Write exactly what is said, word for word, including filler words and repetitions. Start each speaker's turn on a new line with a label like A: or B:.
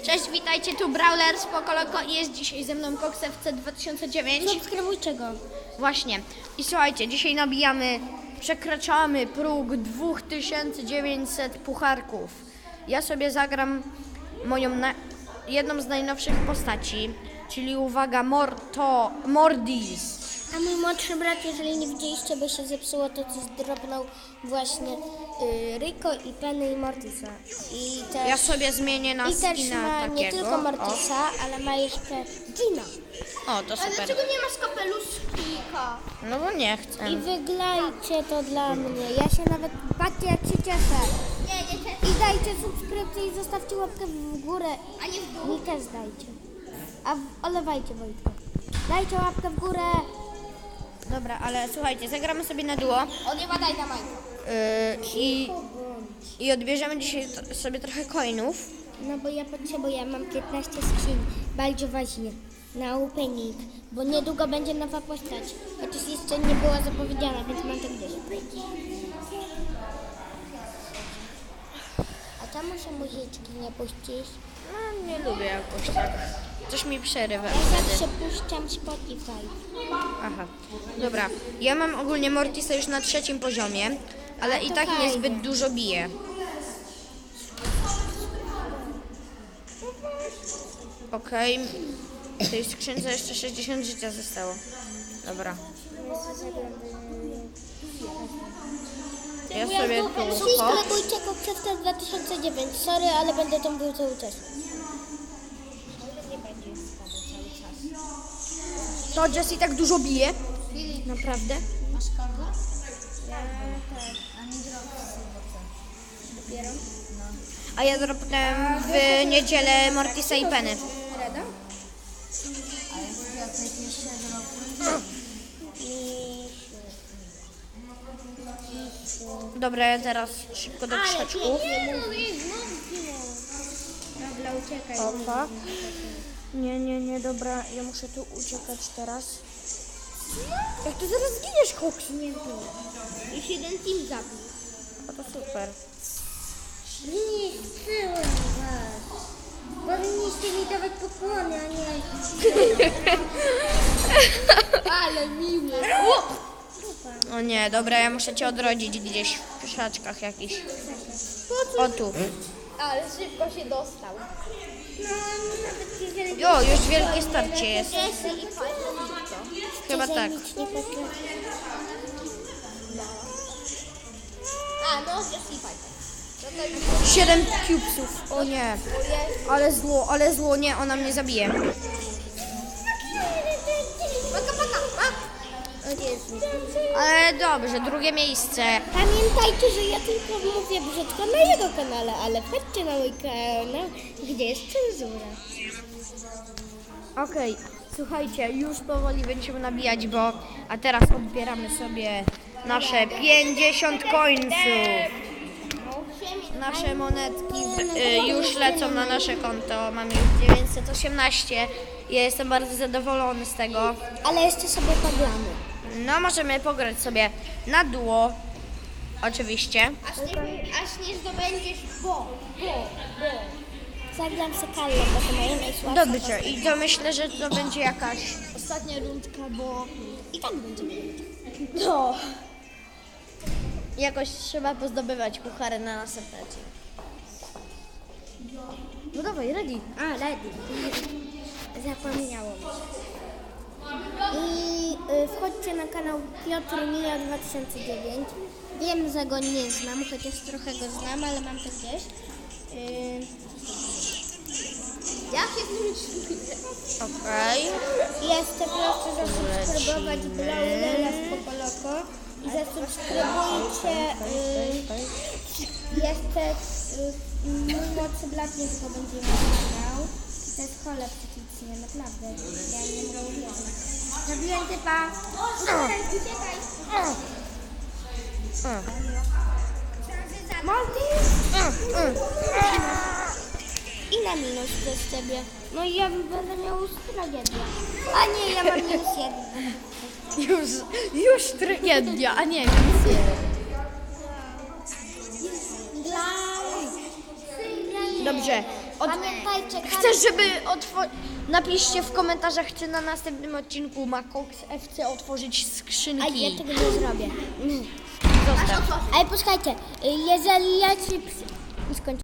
A: Cześć, witajcie, tu Brawler z Pokoloko i jest dzisiaj ze mną Cox F C dwa tysiące dziewięć.
B: Subskrybujcie go.
A: Właśnie. I słuchajcie, dzisiaj nabijamy, przekraczamy próg dwa tysiące dziewięćset pucharków. Ja sobie zagram moją na, jedną z najnowszych postaci, czyli uwaga, Morto, Mordis.
B: A mój młodszy brat, jeżeli nie widzieliście, by się zepsuło, to coś drobnął właśnie y, Rico i Penny i Mortisa. I też,
A: Ja sobie zmienię na
B: i też
A: skina
B: ma
A: takiego.
B: nie tylko Mortisa, ale ma jeszcze Gina.
A: O, o, to super.
B: nie masz kapeluszka?
A: No bo nie chcę.
B: I wyglajcie to dla mnie. Ja się nawet, patrzcie jak się cieszę.
C: Nie, nie cieszę.
B: I dajcie subskrypcję i zostawcie łapkę w górę.
C: A nie w dół.
B: Mi też dajcie. A w, olewajcie Wojtka. Dajcie łapkę w górę.
A: Dobra, ale słuchajcie, zagramy sobie na duo.
C: On nie ma daj na majkę.
A: Yy, i, I odbierzemy dzisiaj t- sobie trochę coinów.
B: No bo ja potrzebuję, mam piętnaście skrzyń, bardzo ważnie, na opening, bo niedługo będzie nowa postać, chociaż jeszcze nie była zapowiedziana, więc mam to gdzieś. A czemu się muzyczki nie puścisz?
A: No, nie lubię jakoś tak. Coś mi przerywa
B: Ja
A: wtedy.
B: zawsze puszczam Spotify.
A: Aha, dobra. Ja mam ogólnie Mortisa już na trzecim poziomie, ale i
B: to
A: tak
B: fajnie.
A: niezbyt dużo bije. Okej. W tej skrzynce jeszcze sześćdziesiąt życia zostało. Dobra. Ja sobie tu hop.
B: Subskrybujcie Kokczewka dwa tysiące dziewięć, sorry, ale będę tam był cały czas.
A: To Jess i tak dużo bije. Naprawdę?
C: Masz kartę? Ja tak, a nie
B: Dopiero?
A: A ja dropnąłem w niedzielę Mortisa i Penny.
B: Rada?
C: Ale jak jeszcze drobny?
A: Dobra, ja teraz szybko do krzaczków.
B: Dobra, uciekaj.
A: Opa. Nie, nie, nie, dobra, ja muszę tu uciekać teraz. Jak ty zaraz zginiesz, Cox?
B: Nie było. Już jeden team zabił.
A: O, to super.
B: Nie chcę was. Powinniście mi dawać pokłony, a nie... Ale miły.
A: O nie, dobra, ja muszę cię odrodzić gdzieś w krzaczkach jakichś. O tu.
C: Ale szybko się dostał.
B: No, nawet jeżeli...
A: O, już wielkie starcie jest.
C: Jesse i fajnie.
A: Chyba tak.
B: Nic nie potrafię.
C: A, no, Jesse i fajnie. No to już
A: Siedem cubesów. O nie. Ale zło, ale zło, nie, ona mnie zabije.
C: Paka, paka, paka.
B: O Jezu.
A: Ale dobrze, drugie miejsce.
B: Pamiętajcie, że ja tylko mówię brzydko na jego kanale, ale chodźcie na mój kanał, gdzie jest cenzura.
A: Okej, słuchajcie, już powoli będziemy nabijać, bo... A teraz odbieramy sobie nasze pięćdziesiąt końców. Nasze monetki y, już lecą na nasze konto. Mamy już dziewięćset osiemnaście. Ja jestem bardzo zadowolony z tego.
B: Ale jeszcze sobie poglamy.
A: No, możemy pograć sobie na duo. Oczywiście.
C: Aż nie, aż nie zdobędziesz bo, bo, bo.
B: Zagram se Kallę, bo to moje najsłabsze.
A: Dobrze, i to myślę, że to będzie jakaś...
C: Ostatnia rundka, bo...
B: I tak będzie.
A: No. Jakoś trzeba pozdobywać puchary na następne. No dawaj, ready.
B: A, Lady. Zapomniało mi się. I y, wchodźcie na kanał Piotr Mija dwa tysiące dziewięć. Wiem, że go nie znam, chociaż trochę go znam, ale mam to gdzieś. Y,
C: Jak się z nim czuję?
A: Okej.
B: Jeszcze proszę zasubskrybować Brawlera z Pokoloko i zasubskrybujcie y, jeszcze y, mój młodszy brat niedługo będzie miał kanał. I to jest choleb psychicznie, naprawdę. Ja nie mówię. Zabiłem typa. Uciekaj, uciekaj. I na minus przez ciebie. No i ja będę miał już tragedię. A nie, ja mam minus jeden.
A: Już, już tragedia, a nie, minus jeden.
B: Dla...
A: Dobrze, Od...
B: Pamiętajcie,
A: Chcesz, żeby otworzyć... Napiszcie w komentarzach, czy na następnym odcinku ma Cox F C otworzyć
B: A
A: skrzynki.
B: ja tego nie zrobię.
A: Zostaw.
B: Ale posłuchajcie, y, jeżeli ja ci... ps- skończę.